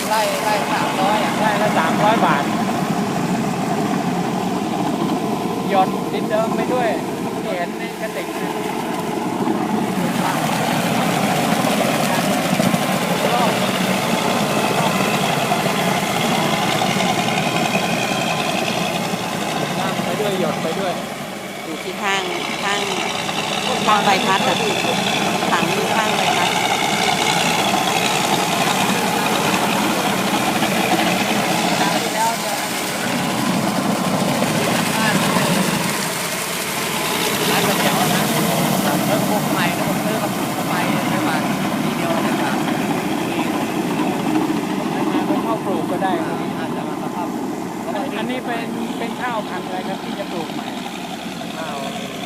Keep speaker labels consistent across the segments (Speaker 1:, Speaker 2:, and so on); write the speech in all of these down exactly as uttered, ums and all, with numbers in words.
Speaker 1: ไร่ไร่สามร้อยอ่ะ
Speaker 2: ไร่ละสามร้อยบาทหยดดินเดิมไปด้วยที่เห็นในกระติกนะน้ำไปด้วยหยดไปด้วย
Speaker 3: อยู่ที่ข้างข้างข้างใบพัดอ่ะถังอยู่ข้างใบพัด
Speaker 1: ร้านก๋วยเตี๋ยวนะเออพวกใหม่นะผมซื้อกับทำไมไม่มาทีเดียวนะครับ
Speaker 2: ให้มาเป็นข้าวปลูกก็ได้ครับ
Speaker 1: อาจจะมาสภาพ
Speaker 2: อันอันนี้เป็นเป็นข้าวพันธุ์อะไรครับที่จะปลูกใหม่
Speaker 1: ข้าว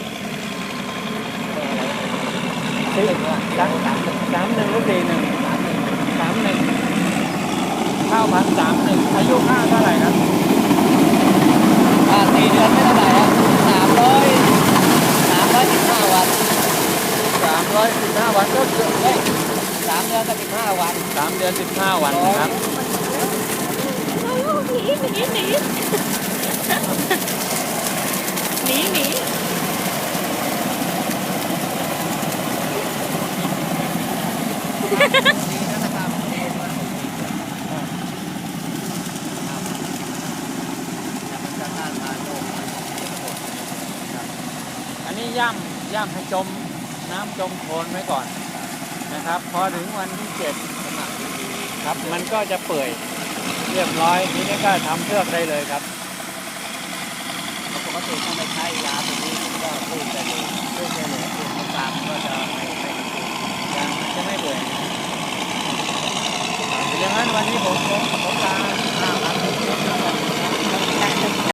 Speaker 2: สี่สามสามสามหนึ่งหรือสี่หนึ่งสามหนึ่งข้าวพันธุ์สามหนึ่งอายุข้าวเท่าไหร่ครับ
Speaker 1: อ่าสี่เดือนไม่เท่าไหร่ครับสามร้อยสามร้อยสิบห้าวัน
Speaker 2: สามร้อยสิบห้าวันก็เกือบ
Speaker 1: เฮ้ยสามเดือนกับสิบห้าวัน
Speaker 2: สามเดือนสิบห้าวันนะครับ
Speaker 3: หนีหนีหนีหนีหนี
Speaker 1: ดีนะครับดีมากแต่มันจะต้านทานโรค
Speaker 2: อันนี้ย่ำย่ำให้จมน้ำจมโคลนไว้ก่อนนะครับ พอถึงวันที่เจ็ด
Speaker 1: สมัครดี
Speaker 2: ครับมันก็จะเปื่อยเรียบร้อยทีนี้ก็ทำเพือกได้เลยครับ
Speaker 1: ปกติถ้าไม่ใช้ยาตัวนี้ผมก็พูดได้เลยพูดได้เลยพูดตามก็จะไม่ไม่
Speaker 2: ยางมันจะไม่เปื่อย